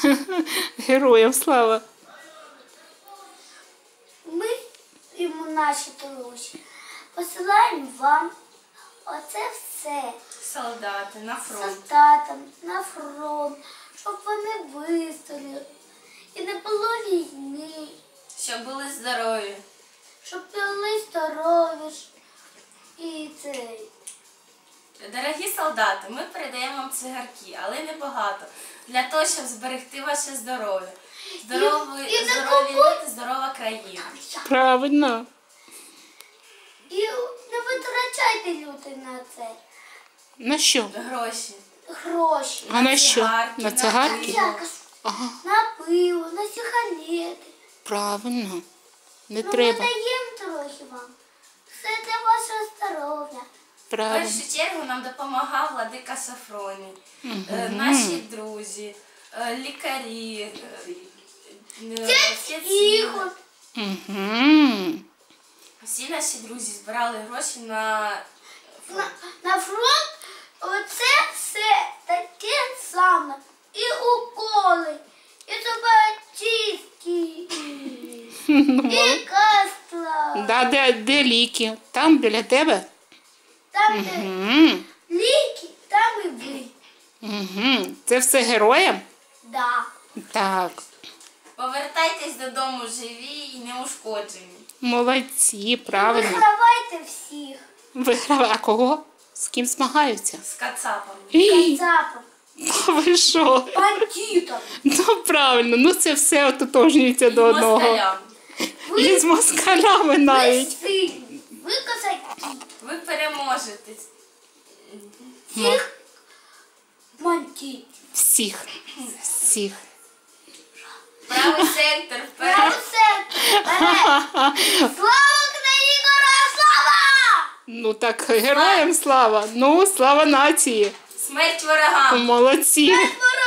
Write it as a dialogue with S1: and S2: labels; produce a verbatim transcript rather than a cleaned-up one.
S1: Героям слава.
S2: Ми йому наші друзі посилаємо вам оце все.
S3: Солдати на фронт.
S2: Солдатам на фронт, щоб вони вистояли і не було війни,
S3: Щоб були здорові.
S2: щоб були здорові ж. І цей.
S3: Дорогі солдати, ми передаємо вам цигарки, але не багато. Для того, щоб зберегти ваше здоров'я. Здорові,
S2: І- і не
S3: здорові
S2: купуй-
S3: люди, здорова країна.
S1: Правильно.
S2: І не витрачайте люди на це
S1: На що?
S3: Гроші.
S2: гроші.
S1: А на що?
S3: цигарки,
S1: На
S3: на
S1: цигарки?
S3: пиво.
S1: Ага,
S2: На пиво, на сигарети.
S1: правильно. Не
S2: Ну,
S1: треба.
S2: ми даємо трохи вам. Все для вашого здоров'я.
S3: В
S1: Правильно.
S3: першу чергу нам допомагав владика Сафроній, е, наші друзі, е, лікарі, е, е, отець
S2: Ігор.
S1: Угу.
S3: Всі наші друзі збирали гроші на
S2: На, на фронт оце все таке саме. І уколи, і зубочистки, і кастла.
S1: Да, де, де ліки? Там біля тебе?
S2: Там, де
S1: Угу.
S2: ліки, там і ви.
S1: Угу. Це все героям?
S2: Да.
S1: Так.
S3: повертайтесь додому живі і неушкоджені.
S1: Молодці, правильно.
S2: Вигравайте всіх.
S1: Виграв. А кого? З ким змагаються?
S3: З кацапами.
S1: Ій,
S2: Кацапом,
S1: ви що?
S2: бандитом.
S1: Ну правильно, ну це все ототожнюється до одного.
S3: Москалям.
S1: І з москалями
S2: Ви
S1: навіть.
S2: сильні, ви козаки.
S3: Ви переможете.
S2: Всіх бандитів.
S1: Всіх. Всіх.
S3: Правий центр вперед.
S2: Право серце, вперед. Слава Україні, героям слава!
S1: Ну так, героям слава. Ну, слава нації.
S3: Смерть ворогам.
S1: Молодці.
S2: Ворогам!